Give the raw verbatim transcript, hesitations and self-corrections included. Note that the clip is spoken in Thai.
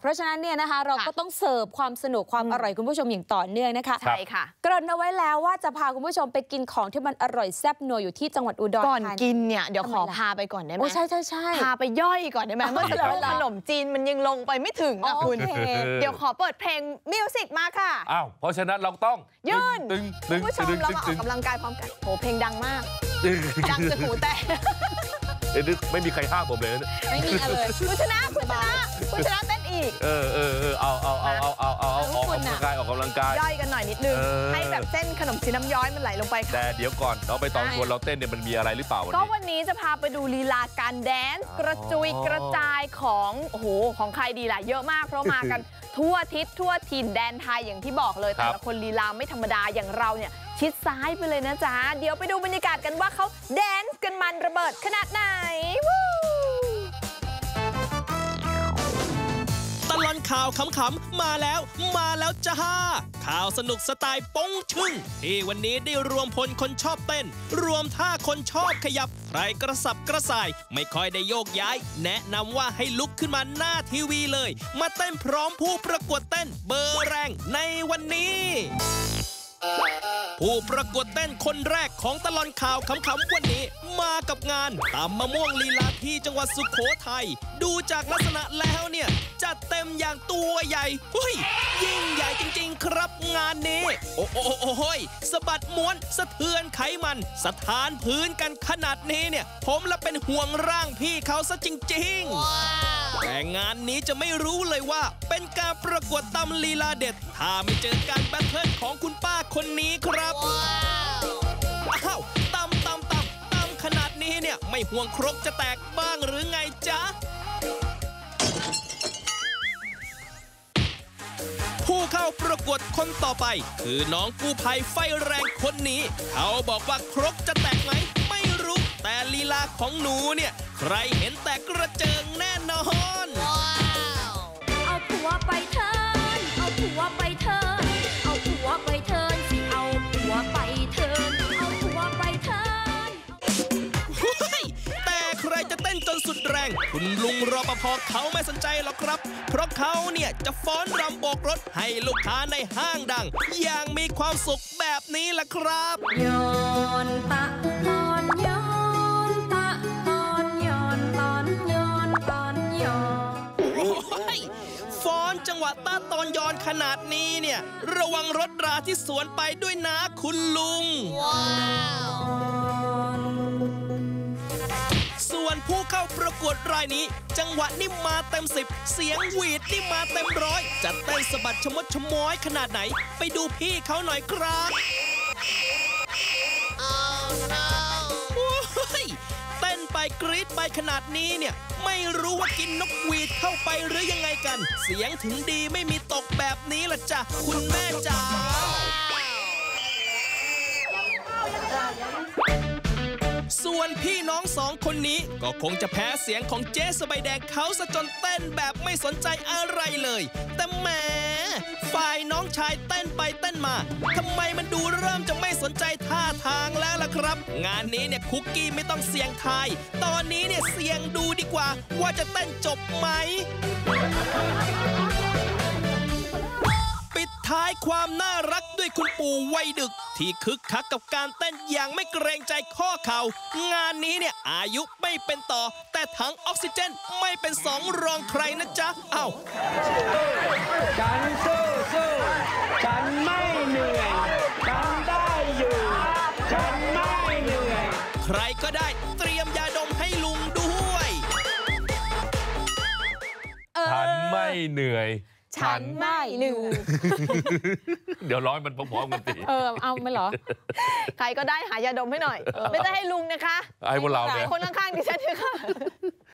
เพราะฉะนั้นเนี่ยนะคะเราก็ต้องเสิร์ฟความสนุกความอร่อยคุณผู้ชมอย่างต่อเนื่องนะคะใช่ค่ะเกริ่นเอาไว้แล้วว่าจะพาคุณผู้ชมไปกินของที่มันอร่อยแซ่บนัวอยู่ที่จังหวัดอุดรธานีก่อนกินเนี่ยเดี๋ยวขอพาไปก่อนได้ไหมใช่ใช่ใช่พาไปย่อยก่อนได้ไหมเมื่อสักครู่ขนมจีนมันยังลงไปไม่ถึงอ่ะคุณเดี๋ยวขอเปิดเพลงมิวสิกมาค่ะอ้าวเพราะฉะนั้นเราต้องยืนคุณผู้ชมเรามาออกกำลังกายพร้อมกันโหเพลงดังมากดังจนหูแตกไม่มีใครห้ามผมเลยไม่มีเลยคุณชนะคุณชนะคุณชนะเต้นอีกเออเออเออเอาเอาเอาเอาเอาเอาออกกำลังกายออกกำลังกายย่อยกันหน่อยนิดนึงให้แบบเส้นขนมจีนน้ำย้อยมันไหลลงไปค่ะแต่เดี๋ยวก่อนเราไปตอนชวนเราเต้นเนี่ยมันมีอะไรหรือเปล่าก็วันนี้จะพาไปดูลีลาการแดนซ์กระจุยกระจายของโอ้โหของใครดีล่ะเยอะมากเพราะมากันทั่วทิศทั่วถิ่นแดนไทยอย่างที่บอกเลยแต่ละคนลีลาไม่ธรรมดาอย่างเราเนี่ยชิดซ้ายไปเลยนะจ๊ะเดี๋ยวไปดูบรรยากาศกันว่าเขาแดนซ์กันมันระเบิดขนาดไหนตลอดข่าวขำๆมาแล้วมาแล้วจ้าข่าวสนุกสไตล์ป้งชึ่งที่วันนี้ได้รวมพลคนชอบเต้นรวมท่าคนชอบขยับใครกระสับกระส่ายไม่ค่อยได้โยกย้ายแนะนำว่าให้ลุกขึ้นมาหน้าทีวีเลยมาเต้นพร้อมผู้ประกวดเต้นเบอร์แรงในวันนี้ผู้ประกวดเต้นคนแรกของตลอดข่าวขำๆวันนี้มากับงานตำมะม่วงลีลาที่จังหวัดสุโขทัยดูจากลักษณะแล้วเนี่ยจัดเต็มอย่างตัวใหญ่เฮ้ยยิ่งใหญ่จริงๆครับงานนี้โอ้โอ้โอ้โหสะบัดม้วนสะเทือนไขมันสถานพื้นกันขนาดนี้เนี่ยผมละเป็นห่วงร่างพี่เขาซะจริงๆแต่งานนี้จะไม่รู้เลยว่าเป็นการประกวดตำลีลาเด็ดถ้าไม่เจอการแบทเทิลของคุณป้าคนนี้ครับอ้าวตำตำตำตำขนาดนี้เนี่ยไม่ห่วงครกจะแตกบ้างหรือไงจ๊ะผู้เข้าประกวดคนต่อไปคือน้องกู้ภัยไฟแรงคนนี้เขาบอกว่าครกจะแตกไหมไม่รู้แต่ลีลาของหนูเนี่ยใครเห็นแตกกระเจิงแน่นอนเอาผัวไปเถินเอาผัวไปเถินเอาผัวไปเถินสิเอาผัวไปเถินเอาผัวไปเถินแต่ใครจะเต้นจนสุดแรงคุณลุงรปภเขาไม่สนใจหรอกครับเพราะเขาเนี่ยจะฟ้อนรำโบกรถให้ลูกค้าในห้างดังอย่างมีความสุขแบบนี้ล่ะครับย้อนตะตอนย้อนตะตอนย้อนตอนย้อนตอนย้อนโอ้ยฟ้อนจังหวะตาตอนย้อนขนาดนี้เนี่ยระวังรถราที่สวนไปด้วยนะคุณลุงว้าวส่วนผู้เข้าประกวดรายนี้จังหวะนี่มาเต็มสิบเสียงหวีดนี่มาเต็มร้อยจะเต้นสะบัดชะมดชะม้อยขนาดไหนไปดูพี่เขาหน่อยครับ oh, no. เต้นไปกรี๊ดไปขนาดนี้เนี่ยไม่รู้ว่ากินนกหวีดเข้าไปหรือยังไงกันเสียงถึงดีไม่มีตกแบบนี้ล่ะจ้ะคุณแม่จ๋าส่วนพี่น้องสองคนนี้ก็คงจะแพ้เสียงของเจ๊สบายแดงเขาซะจนเต้นแบบไม่สนใจอะไรเลยแต่แหมฝ่ายน้องชายเต้นไปเต้นมาทำไมมันดูเริ่มจะไม่สนใจท่าทางแล้วล่ะครับงานนี้เนี่ยคุกกี้ไม่ต้องเสี่ยงทายตอนนี้เนี่ยเสี่ยงดูดีกว่าว่าจะเต้นจบไหมปิดท้ายความน่ารักด้วยคุณปู่วัยดึกที่คึกคักกับการเต้นอย่างไม่เกรงใจข้อเข่างานนี้เนี่ยอายุไม่เป็นต่อแต่ถังออกซิเจนไม่เป็นสองรองใครนะจ๊ะเอ้าฉันสู้สู้ฉันไม่เหนื่อยฉันได้อยู่ฉันไม่เหนื่อยใครก็ได้เตรียมยาดมให้ลุงด้วยฉันไม่เหนื่อยฉันไม่หนึ่งเดี๋ยวร้อยมันพร้อมๆกันตีเออเอาไม่หรอใครก็ได้หายาดมให้หน่อยไม่ได้ให้ลุงนะคะให้พวกเราเนี่ยคนข้างๆดิฉันเถอะค่ะ